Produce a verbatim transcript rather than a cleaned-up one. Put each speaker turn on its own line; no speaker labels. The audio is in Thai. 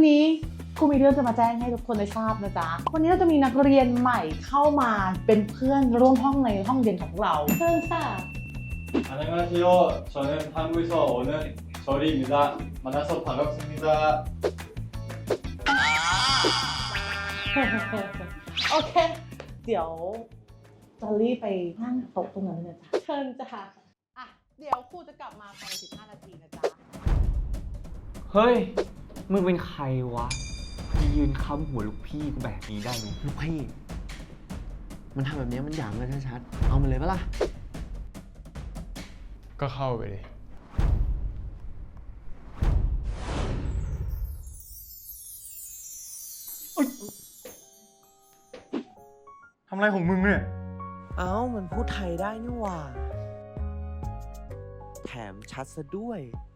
นี้ครูมีเรื่องจะมาแจ้งให้ทุกคนได้ทราบนะจ๊ะวันนี้เราจะมีนักเรียนใหม่เข้ามาเป็นเพื่อนร่วมห้องในห้องเรียนของเราเชิญค่ะ
안녕하세요. 저는 한국에서 오는 저리입니다. 만나서 반갑습니다.
โอเค เดี๋ยวจะรีบไปนั่งโต๊ะตรงนั้นเลยนะจ๊ะเชิญจ้ะอ่ะเดี๋ยวครูจะกลับมาภายในสิบห้านาทีนะจ๊ะ
เฮ้ย มึงเป็นใครวะมายืนค้ำหัวลูกพี่กูแบบนี้ได้ไง
ลูกพี่ มันทำแบบนี้มันหยามกันชัดๆ เอามันเลยปะล่ะ
ก็เข้าไปดิ
ทำอะไรของมึงเนี่ย
เอ้า มันพูดไทยได้นี่หว่า แถมชัดซะด้วย